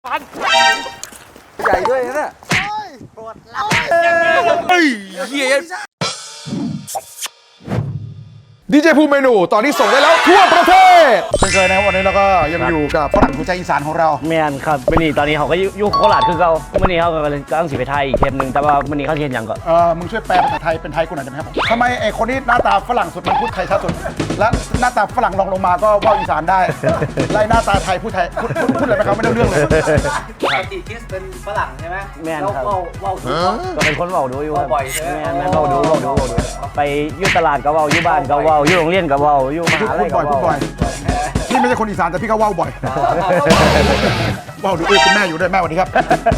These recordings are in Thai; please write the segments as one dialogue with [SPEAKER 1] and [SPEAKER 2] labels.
[SPEAKER 1] พัน
[SPEAKER 2] ใหญ่ด้วยนะ
[SPEAKER 3] ปวดหลัง
[SPEAKER 1] เฮ้ยเฮีย
[SPEAKER 2] ดีเจภูมิเมนูตอนนี้ส่งได้แล้วทั่วประเทศเช่นเคยนะครับวันนี้เราก็ยังอยู่กับฝรั่งหัวใจอีสานของเรา
[SPEAKER 4] แมนครับมื่อนี้ตอนนี้เขาก็อยู่โคราชคือเขามื่อนี้เขากำลังสิไปไทยอีกเทปหนึ่งแต่ว่ามื่อนี้เขาเทียนอย่างก่อน
[SPEAKER 2] มึงช่วยแปลภาษาไทยเป็นไทยกูหน่อยได้ไหมครับทำไมไอ้คนที่หน้าตาฝรั่งสุดมันพูดไทยชัดสุดและหน้าตาฝรั่งลงมาก็ว่าอีสานได้ไล่หน้าตาไทยพูดไทยพูดอะไรไปครับไม่ได้เรื่องเลย
[SPEAKER 3] ปกติคิสเป็นฝรั่งใช่ไหม
[SPEAKER 4] แมนครับ
[SPEAKER 3] เรา
[SPEAKER 4] ก็เป็นคนเว้าดูอยู่
[SPEAKER 3] บ่อยใช่ไหม
[SPEAKER 4] แมนเว้าดูไปอยู่ตลาดก็เว้าอยู่บ้านก็เว้าอยู่โรงเรียนก็เว้าอยู่มหาลัยก็
[SPEAKER 2] พูดบ่อยพี่ไม่ใช่คนอีสานแต่พี่ก็ว่าวบ่อยว่าวดูคุณแม่อยู่ด้วยแม่สวัสดีครับ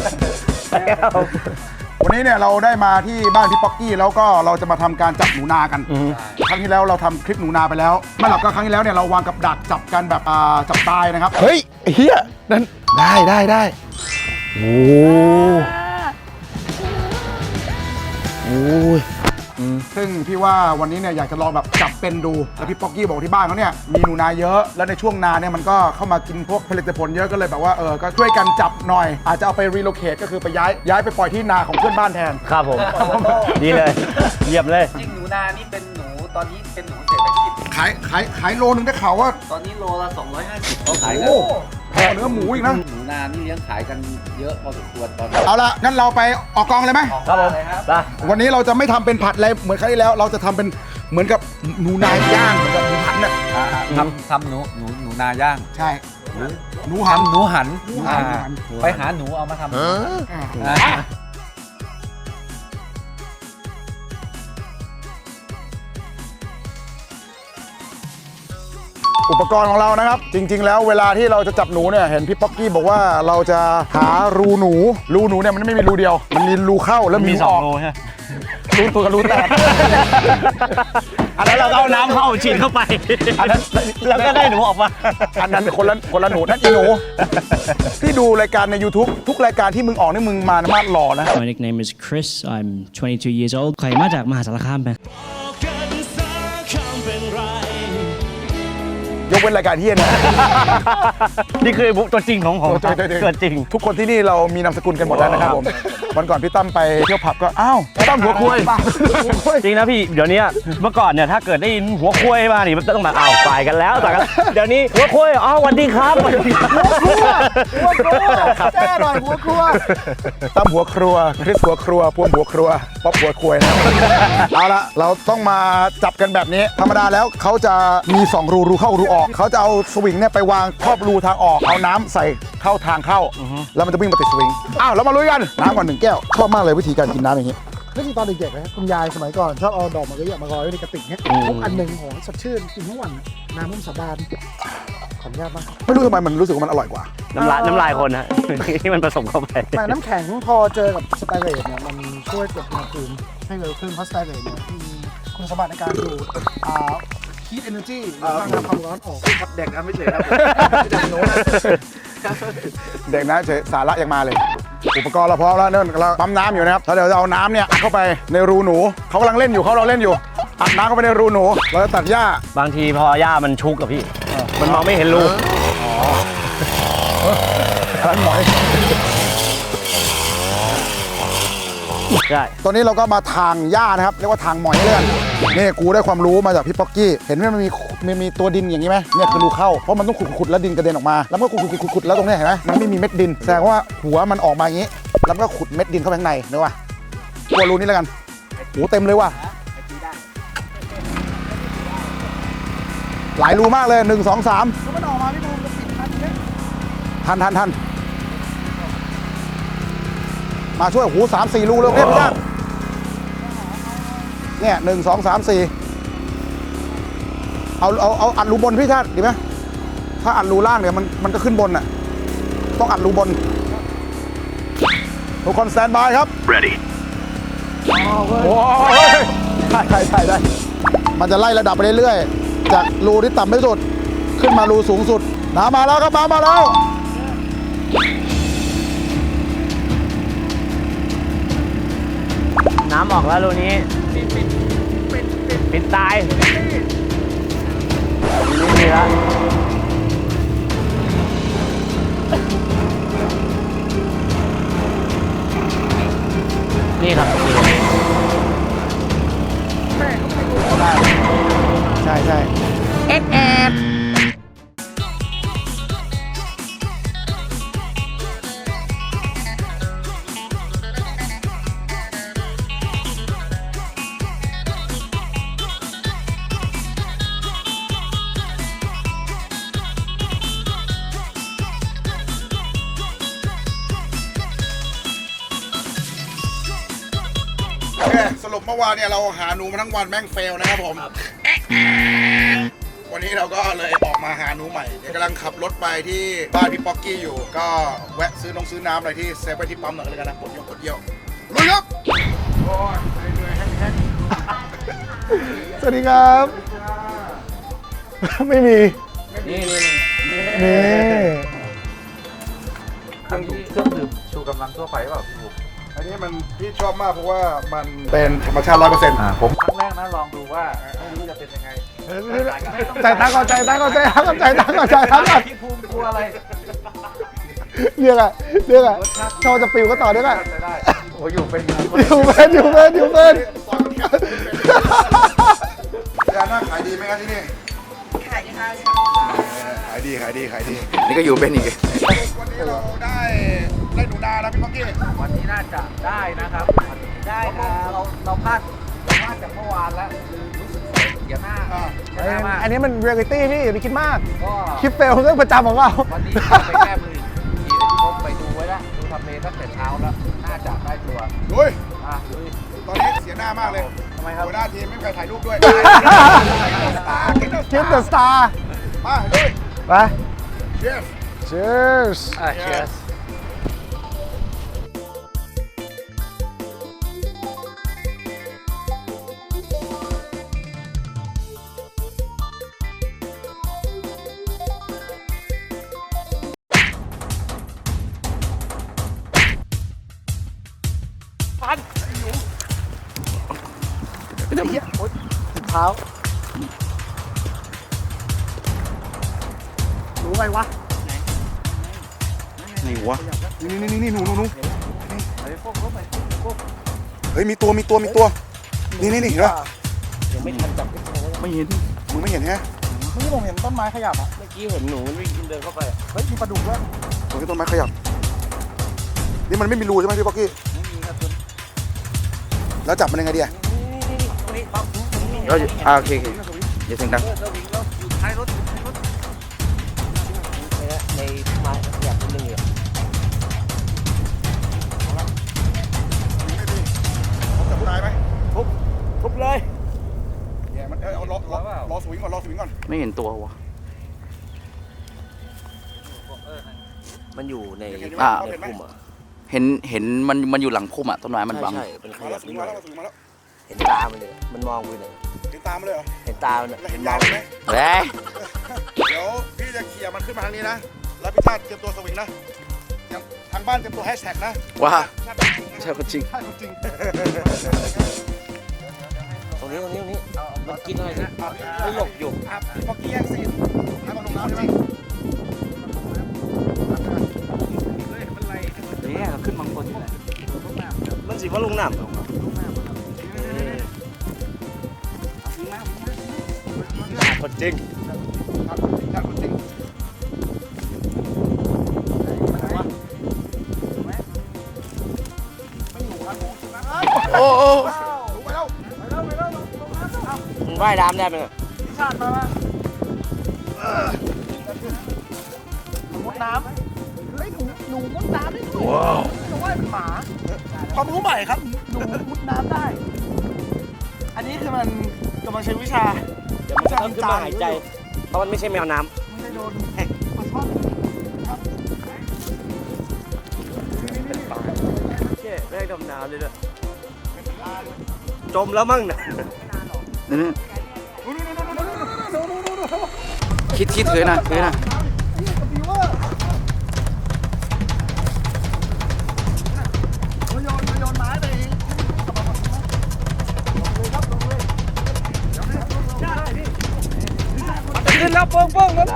[SPEAKER 2] วันนี้เนี่ยเราได้มาที่บ้านพี่ป๊อกกี้แล้วก็เราจะมาทำการจับหนูนากันครั้งที่แล้วเราทำคลิปหนูนาไปแล้วไม่หรอกก็ครั้งที่แล้วเนี่ยเราวางกับดักจับกันแบบจับตายนะครับเฮ้ยเฮียนั่นได้โอ้ยซึ่งพี่ว่าวันนี้เนี่ยอยากจะลองแบบจับเป็นดูแล้วพี่ป๊อกกี้บอกที่บ้านเขาเนี่ยมีหนูนาเยอะแล้วในช่วงนาเนี่ยมันก็เข้ามากินพวกผลิตผลเยอะก็เลยแบบว่าก็ช่วยกันจับหน่อยอาจจะเอาไปรีโลเคทก็คือไปย้ายไปปล่อยที่นาของเพื่อนบ้านแทน
[SPEAKER 4] ครับผมดีเลยเยี่ยมเลย
[SPEAKER 3] จริงหนูนานี่เป็นหนูตอนนี้เป็นหนูเศรษฐกิจ
[SPEAKER 2] ขายโลนึงได้ข่าวว่า
[SPEAKER 3] ตอนนี้โลละ250เขาขายกัน
[SPEAKER 2] แพงเนื้อหมูอีกนะ
[SPEAKER 3] หนูนานี่เลี้ยงขายกันเยอะพอสมควรตอนนี้
[SPEAKER 2] เอาละงั้นเราไปออกกองเลยไหม
[SPEAKER 4] ครับผม
[SPEAKER 2] วันนี้เราจะไม่ทำเป็นผัดอะไรเหมือนครั้งที่แล้วเราจะทำเป็นเหมือนกับหนูนาย่างเหมือนกับหนูหันน่ะ
[SPEAKER 3] ทำหนูนาย่าง
[SPEAKER 2] ใช่หนูหัน
[SPEAKER 3] ไปหาหนูเอามาทำ
[SPEAKER 2] อุปกรณ์ของเรานะครับจริงๆแล้วเวลาที่เราจะจับหนูเนี่ยเห็นพี่ป๊อกกี้บอกว่าเราจะหารูหนูเนี่ยมันไม่มีรูเดียวมันมีรูเข้าแล้วมี
[SPEAKER 4] 2
[SPEAKER 2] รู
[SPEAKER 4] ใช่
[SPEAKER 2] รูตัวกับรูแตก
[SPEAKER 4] อันนั้นเราเอาน้ำเข้าฉีดเข้าไปอันนั้นแล้วก็ได้หนูออกมา
[SPEAKER 2] อันนั้นคนละหนูนั่นอีหนูที่ดูรายการใน YouTube ทุกรายการที่มึงออกนี่มึงมามาดหล่อนะ
[SPEAKER 5] My nickname is Chris I'm 22 years old ใครมาจากมหาสารคามไหม
[SPEAKER 2] ยกเว้นรายการเฮียนะ
[SPEAKER 4] นี่คือตัวจริงของตัวจริง
[SPEAKER 2] ทุกคนที่นี่เรามีนามสกุลกันหมดแล้วนะครับผมวันก่อนพี่ตั้มไปเที่ยวผับก็อ้าวตั้มหัวคุย
[SPEAKER 4] จริงนะพี่เดี๋ยวนี้เมื่อก่อนเนี่ยถ้าเกิดได้ยินหัวคุยมานี่มันต้องมาฝ่ายกันแล้วแต่เดี๋ยวนี้หัวคุยสวัสดีครับหัว
[SPEAKER 2] ครัวแจ้หน่อยหัวครัวตั้มหัวครัวคริสหัวครัวพวงหัวครัวป๊อปหัวคุยนะเอาละเราต้องมาจับกันแบบนี้ธรรมดาแล้วเขาจะมี2รูเข้ารูออกเขาจะเอาสวิงเนี่ยไปวางครอบรูทางออกเอาน้ำใส่เข้าทางเข้าแล้วมันจะวิ่งมาติดสวิงอ้าวเรามาลุยกันน้ำก่อน1 แก้วชอบมากเลยวิธีการกินน้ำอย่างนี้
[SPEAKER 6] นึกถึงตอนเด็กๆนะคุณยายสมัยก่อนชอบเอาดอกมะลิมารอยไว้ในกระติกเนี่ยทุกอันหนึ่งโหสดชื่นกินทั้งวันน้ำมันสาบานขออนุญาตมาก
[SPEAKER 2] ไม่รู้ทำไมมันรู้สึกว่ามันอร่อยกว่า
[SPEAKER 4] น้ำลายคนฮะที่มันผสมเข้าไป
[SPEAKER 6] แต่น้ำแข็งพอเจอกับสไตเลตเนี่ยมันช่วยเก็บอุณหภูมิให้เร็วขึ้นเพราะสไตเลตเนี่ยมีคุณสมบัติในการดูดheat energy หรือว่าความร้อนออก
[SPEAKER 3] เด็กนะไม่เฉยครับ
[SPEAKER 2] เด็กนะเฉยสาระยังมาเลยอุปกรณ์เราพร้อมแล้วเนี่ยเราปั๊มน้ำอยู่นะครับแล้วเดี๋ยวจะเอาน้ำเนี่ยเข้าไปในรูหนูเขากำลังเล่นอยู่อัดน้ำเข้าไปในรูหนูเราจะตัดหญ้า
[SPEAKER 4] บางทีพอหญ้ามันชุกกับพี่มันมองไม่เห็นรู
[SPEAKER 2] ร้านหมอย
[SPEAKER 4] ใช่
[SPEAKER 2] ตอนนี้เราก็มาทางหญ้านะครับเรียกว่าทางหมอยเลื่อนนี่กูได้ความรู้มาจากพี่ป๊อกกี้เห็นไหมมันมีตัวดินอย่างนี้ไหมเนี่ยคือรูเข้าเพราะมันต้องขุดแล้วดินกระเด็นออกมาแล้วก็ขุดแล้วตรงนี้เห็นไหมมันไม่มีเม็ดดินแสดงว่าหัวมันออกมาอย่างนี้แล้วก็ขุดเม็ดดินเข้าไปข้างในนึกว่าตัวรูนี้แล้วกันโอ้เต็มเลยว่ะหลายรูมากเลย1 2 3
[SPEAKER 6] มันออกมาพี่บูมจะปิด
[SPEAKER 2] ทันมาช่วยหู3 4รูเลยเนี่ยพี่ชาติเนี่ย1 2 3 4เอาอัดรูบนพี่ชาติดีไหมถ้าอัดรูล่างเนี่ยมันก็ขึ้นบนน่ะต้องอัดรูบนทุกคนสแตนบายครับ ready โอ้ยได้มันจะไล่ระดับไปเรื่อยๆจากรูที่ต่ำที่สุดขึ้นมารูสูงสุดน้ำมาแล้วครับมาแล้ว
[SPEAKER 4] น้ำออกแล้วรูนี้ปิดตายไม่มีแล้วนี่ครับ
[SPEAKER 2] ใช่ใช่ โอเคสรุปเมื่อวานเนี่ยเราหาหนูมาทั้งวันแม่งเฟลนะครับผม วันนี้เราก็เลยออกมาหาหนูใหม่เดี๋ยวกำลังขับรถไปที่บ้านพี่ป๊อกกี้อยู่ ก็แวะซื้อน้ำอะไรที่เซฟไว้ที่ปั๊มหน่อยเลยกันนะกดเยี่ยวลุยครับโอ้ยเหนื่อยแห้งสวัสดีครับ ไม่มี
[SPEAKER 3] นี่
[SPEAKER 2] นี่
[SPEAKER 3] เครื่องดื่มชูกำลังทั่วไปเปล่าพี่บุ๊ค
[SPEAKER 2] อันนี้มันพี่ชอบมากเพราะว่ามันเป็นธรรมชาติ 100%
[SPEAKER 3] ผม ครั้งแรกนะลองดูว่าไม่รู้จะเป็นยังไง
[SPEAKER 2] ใจตั้งก่อนใจตั้งก่อนใจตั้งก่อนใจตั้งก่อนใจตั้งก่อน
[SPEAKER 3] พี่ภูมิกลัวอะไร
[SPEAKER 2] เรียกอะชอบจะปิวก็ต่อได้ไหม
[SPEAKER 3] จะได้โอ้อยู่เป็น
[SPEAKER 2] อยู่เป็นยาหน้าขายดีไหมครับที่นี่ขายดีค่ะขายดี
[SPEAKER 1] นี่ก็อยู่เป็นอีก
[SPEAKER 2] วันนี้เราได้หนูนาแล้วพี่ป๊อกกี้
[SPEAKER 3] วันนี้น่าจะได้นะครับได้ครับเราพลาดจากเมื่อวานแล้วคือรู้สึกเสียหน้ามาก
[SPEAKER 6] อันนี้มันเรียลลิตี้พี่อย่าไปคิดมาก
[SPEAKER 3] ก็
[SPEAKER 6] คลิปเฟลเรื่องประจำของเรา
[SPEAKER 3] วันนี้ไปแก้มืออีกทีที่ผมไปดูไว้แล้วดูทำเลตั้งแต่เช้าแล้วน่าจะได้ตัว
[SPEAKER 2] ลุย
[SPEAKER 3] ลุย
[SPEAKER 2] ตอนนี้เสียหน้ามากเลย
[SPEAKER 3] ทำไมครับ
[SPEAKER 2] หัวหน้าทีมไม่มีใครถ่ายรูปด้วย
[SPEAKER 6] คลิปเดอะสตาร์
[SPEAKER 2] มาลุย
[SPEAKER 6] ไป
[SPEAKER 2] Cheers
[SPEAKER 6] Cheers
[SPEAKER 3] cheers
[SPEAKER 6] เท้ารู้ไงวะ
[SPEAKER 1] นี่วะ
[SPEAKER 2] นี่หนูเฮ้ยมีตัวนี่เห็นป่ะ
[SPEAKER 1] ไม่เห็น
[SPEAKER 2] มึงไม่เห็นฮะ
[SPEAKER 6] เมื่อกี้ผมเห็นต้นไม้ขยับอ่ะ
[SPEAKER 4] เมื่อกี้เห็นหนูมันวิ่งเดินเข้าไป
[SPEAKER 6] เฮ้ยมีปลาดุกด้วย
[SPEAKER 2] ตัวที่ต้นไม้ขยับนี่มันไม่มีรูใช่ไหมพี่ป๊อกกี้แล้วจับมันยังไงดีอะ
[SPEAKER 1] โอเคอย่าเสียงดัง
[SPEAKER 4] ในไม้อยากนิดนึงอยู่
[SPEAKER 2] จับตายไหม
[SPEAKER 4] ทุบเลย
[SPEAKER 2] เนี่ยมันเอารอสวิงก่อน
[SPEAKER 1] ไม่เห็นตัววะ
[SPEAKER 4] มันอยู่ใน
[SPEAKER 2] เห็น
[SPEAKER 1] อ่า
[SPEAKER 2] ไหม
[SPEAKER 4] พุ่มอ่ะ
[SPEAKER 1] เห็นมันอยู่หลังพุ่มอ่ะต้นไม้มันบัง
[SPEAKER 4] ใช่เป็นข
[SPEAKER 2] มา
[SPEAKER 4] ยั
[SPEAKER 2] แล้ว
[SPEAKER 4] บ
[SPEAKER 2] ส
[SPEAKER 4] นิ
[SPEAKER 2] วิ
[SPEAKER 4] ด
[SPEAKER 2] ง
[SPEAKER 4] หน่
[SPEAKER 2] มา
[SPEAKER 4] อย
[SPEAKER 2] แล้ว
[SPEAKER 4] เห็นตามันเลยมันมองไปเลย
[SPEAKER 2] เห็นตามเลยเหรอ
[SPEAKER 4] เห็นตามันอะ
[SPEAKER 2] แล้ว
[SPEAKER 4] เห็
[SPEAKER 2] เห็
[SPEAKER 4] น
[SPEAKER 2] น
[SPEAKER 4] ม
[SPEAKER 2] ยา
[SPEAKER 4] อง
[SPEAKER 2] งไหม
[SPEAKER 1] เฮ้ย
[SPEAKER 2] เดี๋ยวพี่จะเขี่ยมันขึ้นมาทางนี้นะ แล้วพี่ชาติเตรียมตัวสวิงนะทางบ้านเตรียมตัวแฮชแท็กนะ
[SPEAKER 1] ว้า
[SPEAKER 2] ชาติ
[SPEAKER 1] ใช่คนจริง
[SPEAKER 2] ชาติจริง
[SPEAKER 4] ตรงนี้มันกินอะไรนะไม่หลบอยู่
[SPEAKER 2] พี่ป๊อกกี้แย่งซีนให้มันลงน้ำใช่ไหม
[SPEAKER 3] เนี่ยขึ้นบางคนนี่แหละ
[SPEAKER 4] มันสิว่าลงน้ำคนจริง
[SPEAKER 2] ชาติจริงโอ้ลงไปแล้ว
[SPEAKER 4] มันว่ายน้ำได้ไหมเนี่ย
[SPEAKER 6] มุดน้ำเฮ้ยหนูมุดน้ำได้ด้วยว้าวหนูว่ายเป็นหมาความรู้ใหม่ครับหนูมุดน้ำได้ อันนี้คือมันกำลังใช้วิชา
[SPEAKER 4] เดี๋ยวมันจะต้องขึ้นมาหายใจ เพราะมันไม่ใช่แมวน้
[SPEAKER 6] ไม่ได้โดนปลาช่อนครับ
[SPEAKER 4] ำเจ๊ไม่ได้ดำน้ำเลยด้วยจมแล้วมั่งเนี่ย
[SPEAKER 1] คิดเคยนะ
[SPEAKER 6] บิวเวอร์โยนไม้ไป
[SPEAKER 3] ขึ้นแล้วโป้งแล้ว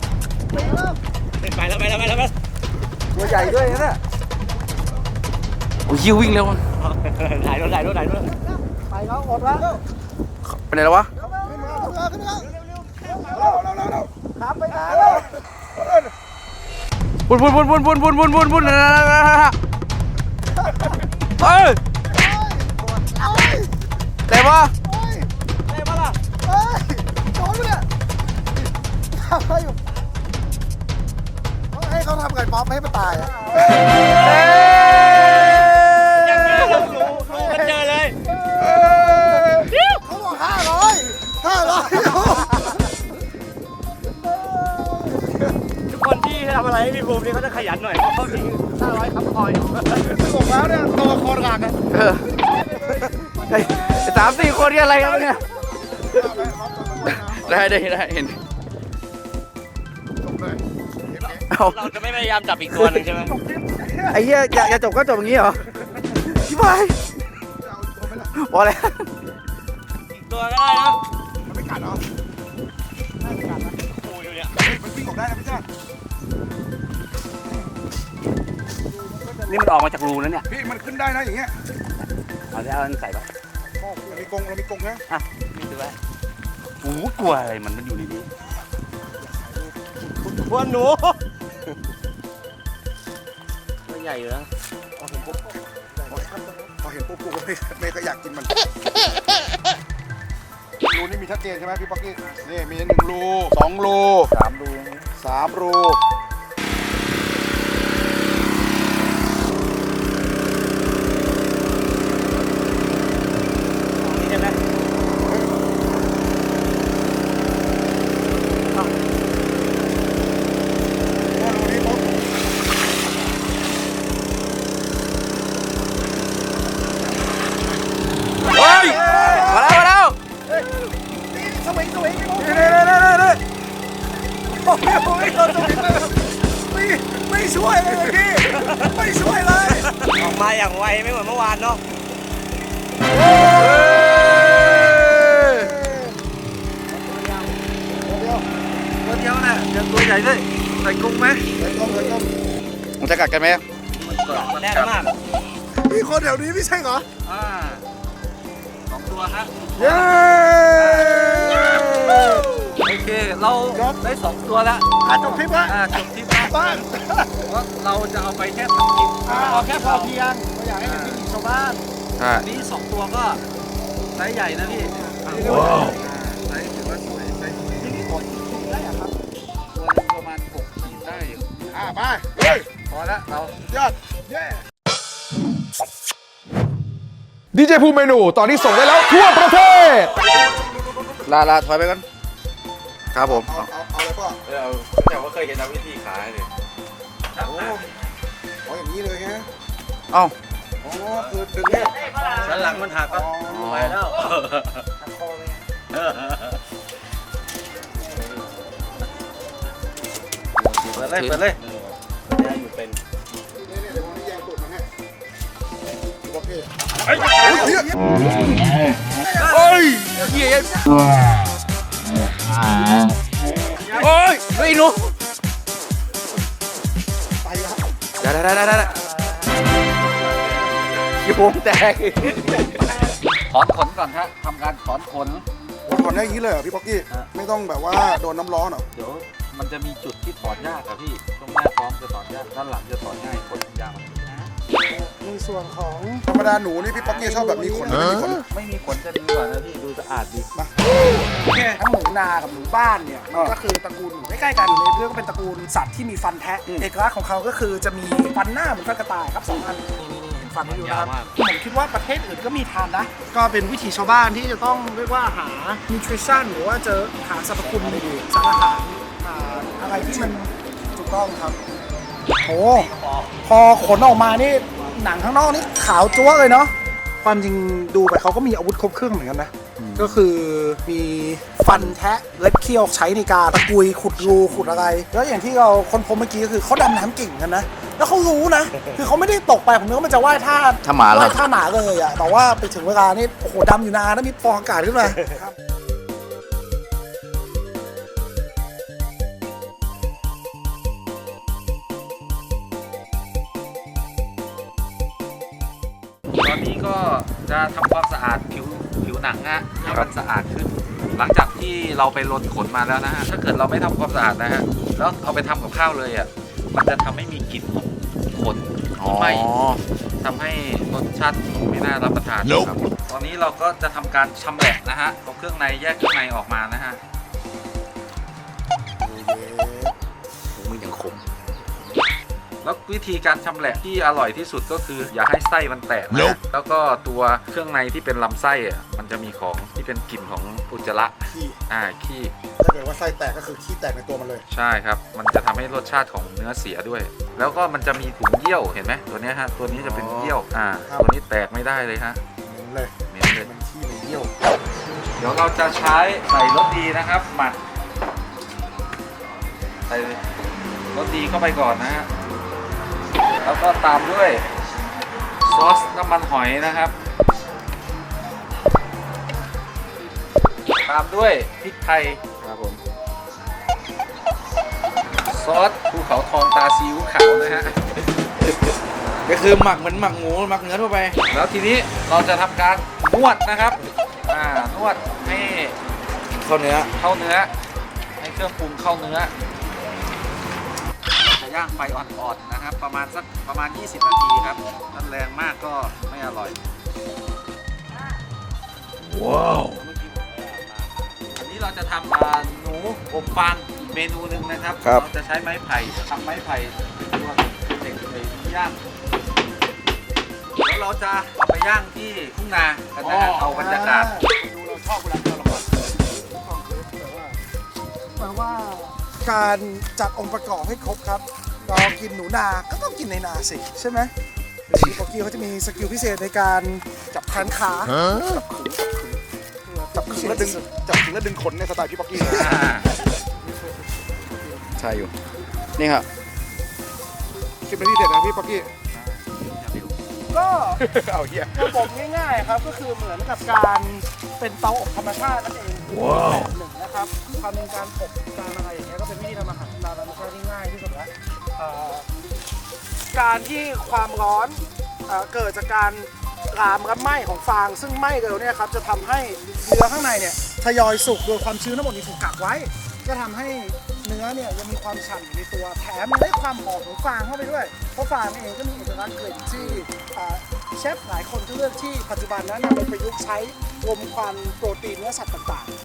[SPEAKER 4] ไปแล้ว
[SPEAKER 3] ตัวใหญ่ด้วยนะ
[SPEAKER 1] โอ้ยวิ่งเร็ว
[SPEAKER 4] ถ่ายรูป
[SPEAKER 6] ไปแล้วอดแล้ว
[SPEAKER 1] ไปไหนแล้ววะ
[SPEAKER 6] ครับไปนานแล้ว
[SPEAKER 1] บุนเฮ้ยแต่ว่า
[SPEAKER 6] โดนเลยทำอะไรอยู่ให้เขาทำไก่ป๊อปให้มันตายอ่ะ
[SPEAKER 4] มันเจอเลย
[SPEAKER 6] เขาบอก500
[SPEAKER 4] ทุกคนที่ทำอะไรให้พี่ภูมินี่เขาจะขยันหน่อยเพราะเขาทิ้ง500คำคอย
[SPEAKER 6] บอกแล้วเนี่ยตัวคอหักอ่ะ
[SPEAKER 1] 3-4 คนนี่อะไรกันเนี่ยได้เห็นเอา
[SPEAKER 4] เราจะไม่พยายามจับอีกตัวหนึงใช่ไหม
[SPEAKER 1] ไอ้เหี้ยจะจบก็จบอย่างนี้เหรอชิบหายพอแล้ว
[SPEAKER 4] อีกตัวก็ได้นะ
[SPEAKER 2] มันไม่กัดเหรอ
[SPEAKER 4] ปูอยู่เนี่ย
[SPEAKER 2] มันวิ่งออกได้นะพี่ชาติ
[SPEAKER 4] นี่มันออกมาจากรูแล้วเนี่ย
[SPEAKER 2] พี่มันขึ้นได้นะอย่างเงี้ย
[SPEAKER 4] เอาแล้วใส่ไป
[SPEAKER 2] เรามีกรงนะ
[SPEAKER 4] อ่ะนี่ดูไว้โอ้กลัวอะไรมันอยู่ในนี้กลัวหนูตัวใหญ่อยู่นะ
[SPEAKER 2] พอเห็นปุ๊บกูก็ไม่ก็อยากกินมันรูนี่มีชัดเจนใช่ไหมพี่ป๊อกกี้นี่มี1 รู2 รู3 รู
[SPEAKER 4] นี่ใช่ไหม
[SPEAKER 1] เฮ้ยมาแล้ว
[SPEAKER 6] สวิง
[SPEAKER 2] นี่ไม่ช่วยเลยพี่ไม่ช่วยเลย
[SPEAKER 4] ออกมาอย่างไวไม่เหมือนเมื่อวานเนาะ
[SPEAKER 1] ตัวเดียวน่ะยังตัวใหญ่ด้วยใส่กุ้งไหมมันจะกัดกันไหม
[SPEAKER 4] แน่นมาก
[SPEAKER 2] พี่คนแถวนี้ไม่ใช่เหรอ
[SPEAKER 3] 2 ตัวฮะ
[SPEAKER 2] เย้
[SPEAKER 3] โอเค เราได้ 2 ตัวแล้ว
[SPEAKER 6] จบคลิปละ
[SPEAKER 3] จบทริปแล้ว
[SPEAKER 6] บ้าน
[SPEAKER 3] เพราะเราจะเอาไปแค่ทำกิน
[SPEAKER 6] เอาแค่พอเพียงเราอยากให้เป็นวิถีชาวบ้าน
[SPEAKER 3] นี่2 ตัวก็ไซส์ใหญ่นะพี่ว้าวไซส์ถือว่าสวยไซส์ที่นี่ตัวประมาณ6 ขีดได้อยู่
[SPEAKER 2] ไปเฮ้ย
[SPEAKER 3] พอแล้วเรา
[SPEAKER 2] ยอดเย้ดีเจภูมิเมนูตอนนี้ส่งได้แล้วทั่วประเทศ
[SPEAKER 1] ลาถอยไปก่อนครับผม
[SPEAKER 2] เอาเลยป่ะ
[SPEAKER 4] แต่ว่าเคยเห็นวิธีขายเลย
[SPEAKER 2] เอาอย่างนี้เลยฮะ
[SPEAKER 1] เอ้า
[SPEAKER 2] อ๋อคือดึงเนี่ย
[SPEAKER 4] สันหลังมันหักก็ไปแล้ว
[SPEAKER 1] เปิดเลย
[SPEAKER 4] ได้อยู่เป็น
[SPEAKER 2] เนี่ยเดี๋ยววันนี้แยงตูดมันให้โอเค
[SPEAKER 1] เฮ้ยเหี้ยโอ้ยเฮ้ยหนู
[SPEAKER 2] ไปแล้ว
[SPEAKER 1] ได้ยี่ปงแตก
[SPEAKER 3] ถอนขนก่อนฮะทำการถอนขน
[SPEAKER 2] ถอนได้อย่างนี้เลยเหรอพี่ป๊อกกี้ไม่ต้องแบบว่าโดนน้ำร้อนเหรอ
[SPEAKER 3] เดี๋ยวมันจะมีจุดที่ถอนยากอะพี่ช่วงหน้าท้องจะถอนยากด้านหลังจะถอนง่ายขนยาว
[SPEAKER 6] ในส่วนของ
[SPEAKER 2] ธรรมดาหนูนี่พี่ป๊อกกี้ชอบแบบมีขนหรือไม่มีขน
[SPEAKER 3] ไม่มีขนจะดีกว่านะพี่ดูสะอาดดี
[SPEAKER 6] ทั้งหนูนากับหนูบ้านเนี่ยมันก็คือตระกูลหนูใกล้ๆกันในเรื่องก็เป็นตระกูลสัตว์ที่มีฟันแทะเอกลักษณ์ของเขาก็คือจะมีฟันหน้าเหมือนฟันกระต่ายครับ2 อันนี่เห็นฟันให้ดูนะครับผมคิดว่าประเทศอื่นก็มีทานนะก็เป็นวิถีชาวบ้านที่จะต้องเรียกว่าหา nutrition หรือว่าเจอหาสรรพคุณสารอาหารอะไรที่มันถูกต้องครับโอ้พอขนออกมานี่หนังข้างนอกนี่ขาวจั๊วเลยเนาะความจริงดูไปเขาก็มีอาวุธครบเครื่องเหมือนกันนะก็คือมีฟันแทะเล็บเคี้ยวใช้ในการตะกุยขุดรูขุดอะไร แล้วอย่างที่เราค้นพบเมื่อกี้ก็คือเขาดำน้ำเก่งกันนะแล้วเขารู้นะคือเขาไม่ได้ตกไปผมนึกว่ามันจะว่ายท่า
[SPEAKER 1] ถ้าหมาเหรอ
[SPEAKER 6] ว่ายท่าหนาเลยอะแต่ว่าไปถึงเวลานี่โอ้โหดำอยู่นานแล้วมีฟองอากาศขึ้นมา
[SPEAKER 3] ก็จะทำความสะอาดผิวหนังนะให้มันสะอาดขึ้น หลังจากที่เราไปลนขนมาแล้วนะฮะถ้าเกิดเราไม่ทำความสะอาดนะฮะแล้วเอาไปทำกับข้าวเลยอ่ะมันจะทำให้มีกลิ่นของขนไหม้ทำให้รสชาติไม่น่ารับประทานครับตอนนี้เราก็จะทำการชำแหละนะฮะเอาเครื่องในแยกเครื่องในออกมานะฮะ
[SPEAKER 2] มันยังขม
[SPEAKER 3] แล้ววิธีการชำแหละที่อร่อยที่สุดก็คืออย่าให้ไส้มันแตกนะ แล้วก็ตัวเครื่องในที่เป็นลำไส้อะมันจะมีของที่เป็นกลิ่นของอุจจาระ
[SPEAKER 2] ขี้
[SPEAKER 3] ขี้
[SPEAKER 2] ถ้าเกิดว่าไส้แตกก็คือขี้แตกในตัวมันเลย
[SPEAKER 3] ใช่ครับ มันจะทำให้รสชาติของเนื้อเสียด้วย แล้วก็มันจะมีถุงเยี่ยวเห็นไหมตัวเนี้ยฮะตัวนี้จะเป็นเยี่ยวตัวนี้แตกไม่ได้เลยฮะ
[SPEAKER 2] เหม็นเลย
[SPEAKER 3] เหม็นเลย
[SPEAKER 2] มันขี้มันเยี่ยว
[SPEAKER 3] เดี๋ยวเราจะใช้ใส่รสดีนะครับหมักใส่รสดีเข้าไปก่อนนะฮะแล้วก็ตามด้วยซอสน้ำมันหอยนะครับ ตามด้วยพริกไทยครับผมซอสภูเขาทองตาซีอิ๊วขาวนะฮะ
[SPEAKER 1] ก็คือหมักเหมือนหมักหมูหมักเนื้อทั่วไป
[SPEAKER 3] แล้วทีนี้เราจะทำการนวดนะครับนวดให้
[SPEAKER 1] เข้าเนื้อ
[SPEAKER 3] เข้าเนื้อให้เครื่องปรุงเข้าเนื้อจะย่างไฟอ่อนๆนะครับ ประมาณ 20 นาทีครับถ้าแรงมากก็ไม่อร่อย
[SPEAKER 2] ว้าว
[SPEAKER 3] อันนี้เราจะทำหนูอบฟางอีกเมนูหนึ่งนะครับ
[SPEAKER 2] ครับ
[SPEAKER 3] เราจะใช้ไม้ไผ่ทำไม้ไผ่ตัวเด็กเลยย่างแล้วเราจะเอาไปย่างที่ทุ่งนากันนะฮะเอาบรรยากาศ
[SPEAKER 6] ดูเราชอบเวลาที่เราละครแปลว่าการจัดองค์ประกอบให้ครบครับ เรากินหนูนาก็ต้องกินในนาสิใช่ไหมพี่ป๊อกกี้เขาจะมีสกิลพิเศษในการจับแขนขาจับขึงแล้วดึง
[SPEAKER 2] จับถึงแล้วดึงขนในสไตล์พี่ป๊อกกี้
[SPEAKER 1] ใช่อยู่ นี่ครับ
[SPEAKER 2] คิดเป็นที่เด็ดนะพี่ป๊อกกี้
[SPEAKER 6] ก็
[SPEAKER 2] เอาเหี้ย
[SPEAKER 6] ระบบง่ายๆครับก็คือเหมือนกับการเป็นเตาอบธรรมชาตินั่นเองแบบหนึ่งนะครับความเป็นการอบการอะไรอย่างเงี้ยก็เป็นวิธีทำอาหารตามธรรมชาติที่ง่ายที่สุดแล้วการที่ความร้อนเกิดจากการรามและไหม้ของฟาง ซึ่งไหม้เร็วเนี่ยครับจะทำให้เนื้อข้างในเนี่ยทยอยสุกโดยความชื้นทั้งหมดนี้ถูกกักไว้ก็ทำให้เนื้อเนี่ยยังมีความฉ่ำอยู่ในตัวแถมยังได้ความหอมของฟางเข้าไปด้วยเพราะฟางเองก็มีเอกลักษณ์กลิ่นที่เชฟหลายคนก็เลือกที่ปัจจุบันนั้นนำไปประยุกต์ใช้รมควันโปรตีนเนื้อสัตว์ต่างๆ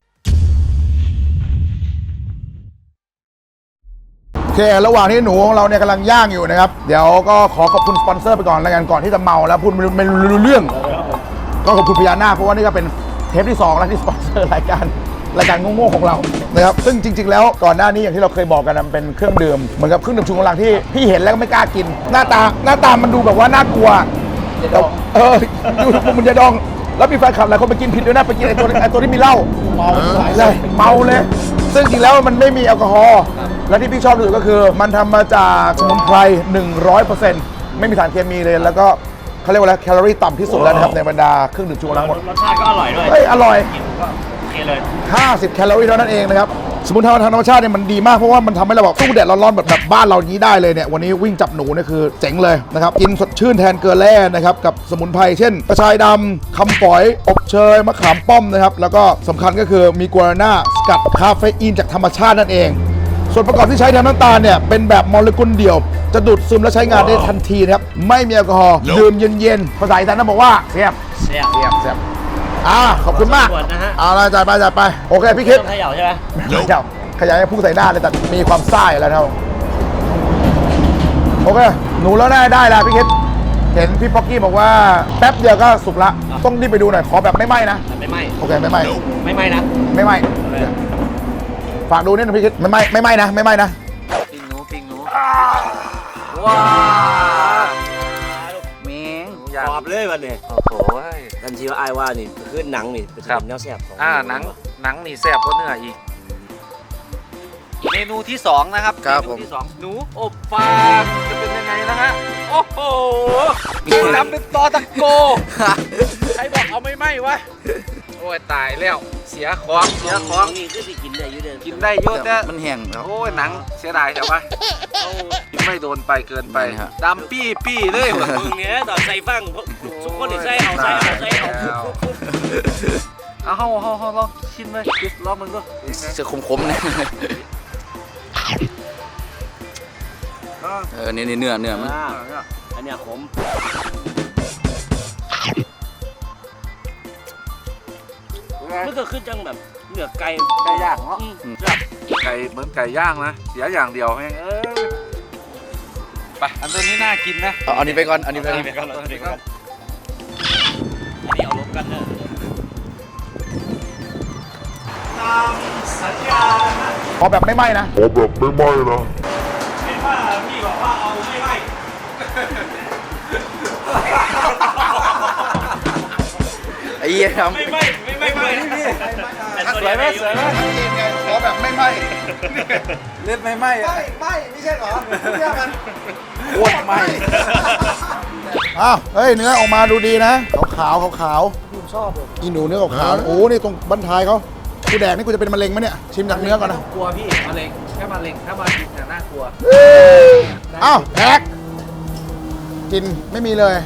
[SPEAKER 2] โอเค ระหว่างที่หนูของเราเนี่ยกำลังย่างอยู่นะครับ เดี๋ยวก็ขอขอบคุณสปอนเซอร์ไปก่อนแล้วกันก่อนที่จะเมาแล้วพูดไม่รู้เรื่อง ก็ขอบคุณพญานาคเพราะว่านี่ก็เป็นเทปที่2แล้วที่สปอนเซอร์รายการโง่ๆของเรานะครับซึ่งจริง ๆ แล้วก่อนหน้านี้อย่างที่เราเคยบอกกันนะมันเป็นเครื่องดื่มเหมือนกับเครื่องดื่มชูกำลังที่พี่เห็นแล้วก็ไม่กล้ากิน หน้าตามันดูแบบว่าน่ากลัวดูมันจะดองแล้วมีแฟนคลับหลายคนไปกินผิดด้วยนะไปกินไอ้ตัวที่มีเหล้าเมาเลยซึ่งจริงแล้วมันไม่มีแอลกอฮอล์และที่พี่ชอบที่สุดก็คือมันทำมาจากสมุนไพร 100% ไม่มีสารเคมีเลยแล้วก็เขาเรียกว่าแคลอรี่ต่ำที่สุดแล้วนะครับในบรรดาเครื่องดื่มชูกำลังหมด
[SPEAKER 4] รสชาติก็อร่อยด้วย
[SPEAKER 2] อร่อย
[SPEAKER 4] กินก็โอเคเลย
[SPEAKER 2] 50 แคลอรี่เท่านั้นเองนะครับสมุนไพรทางธรรมชาติเนี่ยมันดีมากเพราะว่ามันทำให้เราแบบสู้แดดร้อนๆแบบบ้านเรานี้ได้เลยเนี่ยวันนี้วิ่งจับหนูเนี่ยคือเจ๋งเลยนะครับกินสดชื่นแทนเกลือแร่นะครับกับสมุนไพรเช่นกระชายดำคำฝอยอบเชยมะขามป้อมนะครับแล้วก็สำคัญก็คือมีกัวน่าสกัดคาเฟอีนจากธรรมชาตินั่นเองส่วนประกอบที่ใช้แทนน้ำตาลเนี่ยเป็นแบบโมเลกุลเดี่ยวจะดูดซึมและใช้งานได้ทันทีนะครับไม่มีแอลกอฮอล์ดื่มเย็นๆภาษาอีสานต้องบอกว่าเสียบขอบคุณมาก
[SPEAKER 4] ขอบคุณนะฮะ
[SPEAKER 2] เอาละจ่ายไปโอเคพี่คิด
[SPEAKER 4] ต้องเขย่าใช่ไหม
[SPEAKER 2] ไม่เจ้าขยายให้พุ่งใส่หน้าเลยแต่มีความซ่าอยู่แล้วนะครับโอเคหนูแล้วได้แล้วพี่คิดเห็นพี่ป๊อกกี้บอกว่าแป๊บเดียวก็สุกละต้องรีบไปดูหน่อยขอแบบไม่ไหม้นะ
[SPEAKER 4] ไม่ไหม้
[SPEAKER 2] โอเคไม่ไหม้
[SPEAKER 4] ไม่ไหม้นะ
[SPEAKER 2] ไม่ไหม้ฝากดูนิดนึงพี่คิดไม่ไหม้นะไม่ไหม้นะ
[SPEAKER 3] ปิ้งหนูว้าวเมงหนูย่าง
[SPEAKER 4] กรอบเลยวันนี้
[SPEAKER 3] โอ้โห
[SPEAKER 4] ทันทีว่าไอ้ว่านี่คือหนังนี่เป็น
[SPEAKER 3] ครับ
[SPEAKER 4] แนวแซ่บของ
[SPEAKER 3] หนังนี่แซ่บกว่าเนื้ออีก เมนูที่2นะครับ
[SPEAKER 1] ครับ
[SPEAKER 3] เม
[SPEAKER 1] ผม
[SPEAKER 3] นูที่2หนูอบฟางจะเป็นยังไงนะฮะโอ้โหทำเป็นตอตะโกใครบอกเอาไม่ไหม้วะโอ้ยตายแล้วเสียของเสียของ
[SPEAKER 4] นี่คือสิกินได้อยู่เด้อ
[SPEAKER 3] กินได้เยอะแต่
[SPEAKER 1] มันแห้งแล้ว
[SPEAKER 3] โอ้ยหนังเสียดายใช่ปะกินไม่โดนไปเกินไป
[SPEAKER 1] นี่ฮะ
[SPEAKER 3] ดำปี้เลย
[SPEAKER 4] มึงเนี่ยตอนใส่ฟังทุกคนนี่ใส่เอา
[SPEAKER 3] เอาเฮาลองชิมเลยลองมึงดู
[SPEAKER 1] เสือคมๆนะนี่เนื้อมัน
[SPEAKER 4] อันเนี้ยขม มันก็คือจังแบบเนื้อไก่
[SPEAKER 3] ไก่ย่างเนาะ
[SPEAKER 4] ครับ
[SPEAKER 3] ไก่เหมือนไก่ย่างนะเสียอย่างเดียวแม่งไปอันตัวนี้น่ากินนะ
[SPEAKER 1] เอาอันนี้ไปก่อนอันนี้ไปก่อน
[SPEAKER 4] อันนี้เอาลบกันเนอะตามสัญญา
[SPEAKER 2] ขอแบบไม่ไหม้นะ
[SPEAKER 4] เห็นว่าพี่บอกว่าเอาไม่ไหว
[SPEAKER 1] ไอ้เหี้ยทำ
[SPEAKER 4] ไม่ไหวสวยไหม
[SPEAKER 2] ขอแบบไม่ไหม้
[SPEAKER 1] เลือดไม่ไหม้
[SPEAKER 6] ไม่ใช่เหรอเชื่อมัน
[SPEAKER 1] โคตรไหม้
[SPEAKER 2] อ้าวเฮ้ยเนื้อออกมาดูดีนะขาว
[SPEAKER 6] ผมชอบเลย
[SPEAKER 2] อีหนูเนื้อขาวๆโอ้นี่ตรงบั้นท้ายเขากูแดกนี่กูจะเป็นมะเร็งไหมเนี่ยชิมจากเนื้อก่อนนะ
[SPEAKER 3] กลัวพี่มะเร็งแค่มะเร็งถ้ามากินน่ากลัว
[SPEAKER 2] อ้าวแดกกินไม่มีเลย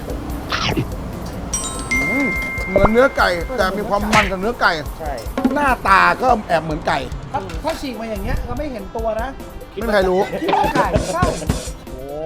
[SPEAKER 2] เหมือนเนื้อไก่แต่มีความมันกับเนื้อไก่
[SPEAKER 6] ใช่
[SPEAKER 2] หน้าตาก็แอบเหมือนไก่
[SPEAKER 6] ถ้าฉีกมาอย่างเงี้ยก็ไม่เห็นตัวนะ
[SPEAKER 2] ไม่มีใครรู้
[SPEAKER 6] คิดว่าไก่ใช่
[SPEAKER 2] โอ้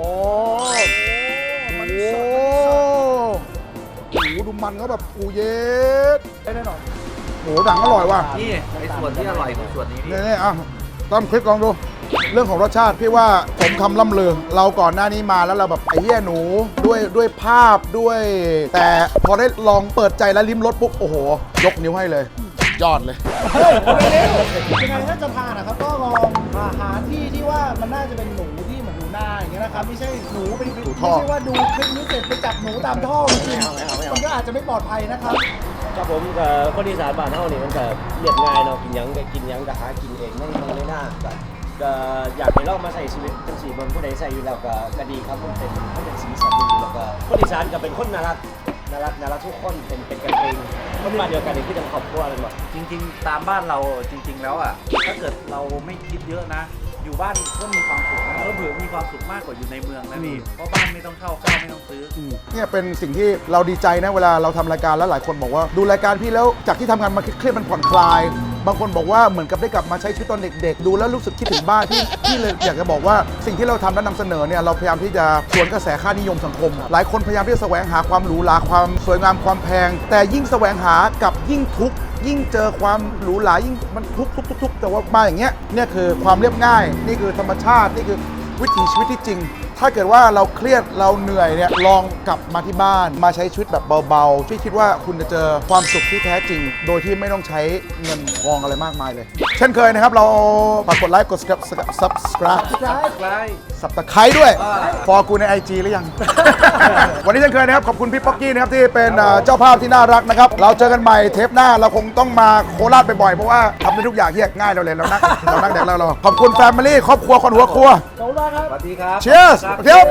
[SPEAKER 2] ดูมันเขาแบบอูเย็ด
[SPEAKER 6] ได้แน่นอน
[SPEAKER 2] โหหนังอร่อยว่ะ
[SPEAKER 3] นี่ไอ้ส่วนที่อร่อยคือส่วนนี้พี่
[SPEAKER 2] นี่อ่ะต้มคลิปลองดู เรื่องของรสชาติพี่ว่าผมคำล่ำลือเราก่อนหน้านี้มาแล้วเราแบบไอ้เหี้ยหนูด้วยภาพด้วย แต่พอได้ลองเปิดใจแล้วลิ้มรสปุ๊บโอ้โห ยกนิ้วให้เลย ยอดเลย
[SPEAKER 6] เฮ้ยเร็วยังไงถ้าจะทานนะครับก็ลองหาที่ที่ว่ามันน่าจะเป็นหนูที่เหมือนหนูนาอย่างเงี้ยนะครับไม่ใช่หนูเป็น
[SPEAKER 2] หนู
[SPEAKER 6] ไม่
[SPEAKER 2] ท่อ
[SPEAKER 6] ใช่ว่าดูคลิปนี้เสร็จไปจับหนูตามท่อมากินมันก็อาจจะไม่ปลอดภัยนะครับ
[SPEAKER 4] ครับผมกับคนอีสานบ้านเฮานี่มันก็เรียบง่ายเนาะกินหยังก็กินหยังก็หากินเองไม่น่าก็อยากให้เรามาใส่ชีวิตจังสีบนผู้ใดใส่อยู่แล้วก็ดีครับมันเป็นสีสันดีแล้วก็คนอีสานก็เป็นคนน่ารักทุกคนเป็นกันเองคนบ้านเดียวกันนี่คือจังครอบครัวเลยว่ะ
[SPEAKER 3] จริงๆ ตามบ้านเราจริง ๆ แล้วอ่ะถ้าเกิดเราไม่คิดเยอะนะ อยู่บ้านก็มีความสุขนะเผื่อมีความสุขมากกว่าอยู่ในเมืองนะพี่เพราะบ้านไม่ต้องเข้าข้าวไม่ต้องซื้อ
[SPEAKER 2] เนี่ยเป็นสิ่งที่เราดีใจนะเวลาเราทำรายการแล้วหลายคนบอกว่าดูรายการพี่แล้วจากที่ทำงานมาเครียดๆมันผ่อนคลาย บางคนบอกว่าเหมือนกับได้กลับมาใช้ชีวิตตอนเด็กๆ ดูแล้วรู้สึกคิดถึงบ้านที่เลยอยากจะบอกว่าสิ่งที่เราทำและนำเสนอเนี่ยเราพยายามที่จะสวนกระแสค่านิยมสังคม หลายคนพยายามที่จะแสวงหาความหรูหราความสวยงามความแพง แต่ยิ่งแสวงหากับยิ่งทุกข์ยิ่งเจอความหรูหรายิ่งมันทุกข์แต่ว่ามาอย่างเงี้ยเนี่ยคือความเรียบง่ายนี่คือธรรมชาตินี่คือวิถีชีวิตที่จริง ถ้าเกิดว่าเราเครียดเราเหนื่อยเนี่ยลองกลับมาที่บ้านมาใช้ชีวิตแบบเบาๆที่คิดว่าคุณจะเจอความสุขที่แท้จริง โดยที่ไม่ต้องใช้เงินทองอะไรมากมายเลย เช่นเคยนะครับเราฝากกดไลค์กด subscribe สับตะไคร้ด้วยฟอกูใน IG หรือยัง วันนี้เช่นเคยนะครับขอบคุณพี่ป๊อกกี้นะครับที่เป็นเจ้าภาพที่น่ารักนะครับเราเจอกันใหม่เทปหน้าเราคงต้องมาโคราชบ่อยๆเพราะว่าทำได้ทุกอย่างเฮียง่ายเราเลยเรานั่งแดกเราขอบคุณแฟมิลี่ครอบครัวคนหัวครัว
[SPEAKER 6] ขอบคุณมากครับ
[SPEAKER 3] สวัสดีครับ
[SPEAKER 2] Cheers เทียบ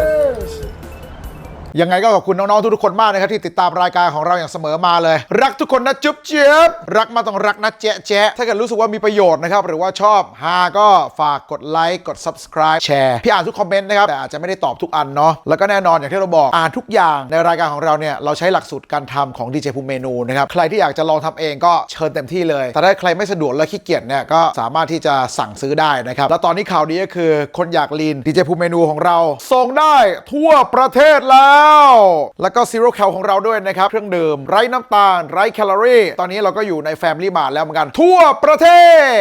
[SPEAKER 2] ยังไงก็ขอบคุณน้องๆทุกๆคนมากนะครับที่ติดตามรายการของเราอย่างเสมอมาเลย รักทุกคนนะจุ๊บเจี๊ยบรักมาต้องรักนะแจ๊ะแจ๊ะถ้าเกิดรู้สึกว่ามีประโยชน์นะครับหรือว่าชอบฮาก็ฝากกดไลค์กด subscribe แชร์พี่อ่านทุกคอมเมนต์นะครับแต่อาจจะไม่ได้ตอบทุกอันเนาะแล้วก็แน่นอนอย่างที่เราบอกอ่านทุกอย่างในรายการของเราเนี่ยเราใช้หลักสูตรการทำของ DJ ภูมิเมนูนะครับใครที่อยากจะลองทำเองก็เชิญเต็มที่เลยแต่ถ้าใครไม่สะดวกและขี้เกียจเนี่ยก็สามารถที่จะสั่งซื้อได้นะครับแล้วตอนนี้ข่าวดีก็คือคนอยากลีน DJ ภูมิเมนูของเราส่งได้ทั่วประเทศแล้วแล้วก็ Zero Cal ของเราด้วยนะครับเครื่องดื่มไร้น้ำตาลไร้แคลอรี่ตอนนี้เราก็อยู่ใน Family Mart แล้วเหมือนกันทั่วประเทศ